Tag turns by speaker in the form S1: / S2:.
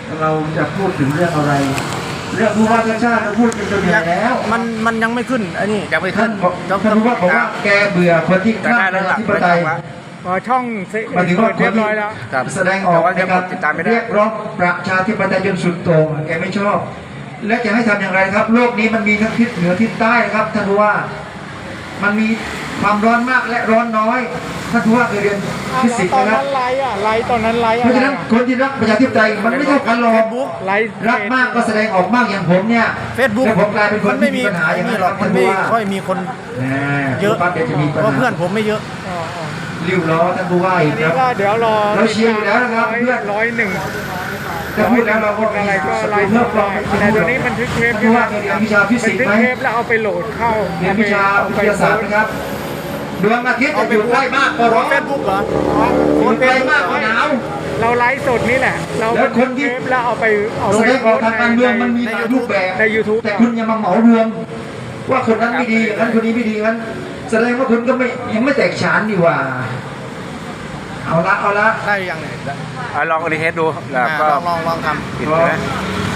S1: เราจะพูดถึงเรื่องอะไรเรื่องผู้ว่าราชการเราพูดกันจนเหนื่อยแล้ว
S2: มันยังไม่ขึ้นอันนี้ยังไม่ขึ้
S1: ท่าน นผู้ว่าบอกว่าแกเบื่อคนที่ข้ามประชาธิปไตย
S3: ช่อง
S1: หมายถึงว่า
S3: เรียบร้อยแล้ว
S1: แสดงออกในการเรียกร้องประชาธิปไตยจนสุดโต่งแกไม่ชอบ และจะให้ทำอย่างไรครับโลกนี้มันมีทั้งทิศเหนือทิศใต้ครับท่านผู้ว่ามันมีความร้อนมากและร้อนน้อยท่านผู้ว่าเคยเรียนฟิสิกส์
S3: ตอน
S1: นะครับ
S3: นั้นไลฟ์ไลฟ์ตอนนั้นไลฟ์
S1: เพราะฉะนั้นคนที่รักประชาธิปไตยมันไม่เท่ากันหรอก
S3: ไลฟ์
S1: รักมากก็แสดงออกมากอย่างผมเนี่ย
S2: Facebook
S1: แล้วผมกลายเป็นคน
S2: มันไม่
S1: ที่
S2: มี
S1: มีปัญหาอย่าง
S2: นี่
S1: นั้น
S2: หรอก
S1: ท่า
S2: มัน นไม่
S1: ผู้ว่า
S2: ค่อยมีคน
S1: เยอะปั๊บเดี๋ยวจะมีปัญ
S2: เพราะ
S1: หา
S2: เพื่อนผมไม่เยอะ
S1: ริ้วล้อท่านผู้ว่าอี
S3: อั
S1: ก
S3: น
S1: ค
S3: นี้
S1: รับ
S3: ก็เดี๋ยวรอ
S1: เราเชียร์อยู่แล้วนะครับเพื่อน
S3: 101
S1: แต่พูดแล้วเราก็
S3: อะไรก็ไลฟ์
S1: เพิ่มความ
S3: แต่เดี๋ยวนี้บันทึกเทป
S1: ท่านผู้ว่าเคยเรียนวิชาฟิสิกส์ไหม
S3: บันทึกเทปแล้วเอาไปโหลดเข้า
S1: เรียนวิชาวิทยาศาสตร์นะครับดวงอาทิตย์จะอยู่ใกล้มากก็ร้อน
S2: เฟซบุ๊กเหรอ
S1: อยู่ไกลมากก็หนาว
S3: เราไลฟ์สดนี่แหละ เรา
S1: แล้วคนที่
S3: บัทึกเทปแล้วเอาไป
S1: แสดงออกทางการเมืองมันมีหลายรูปแบบ
S3: ใน YouTube
S1: แต่คุณอย่ามาเหมารวมว่าคนนั้นไม่ดีอย่างนั้นคนนี้ไม่ดีอย่างนั้นแสดงว่าคุณก็ไม่ยังไม่แตกฉานดีกว่า เอาละ
S2: ได้ยังเนี่ย
S4: ลองรีเทสดูแล้วก็
S2: ลองทำ
S4: ปิดใช่ไหม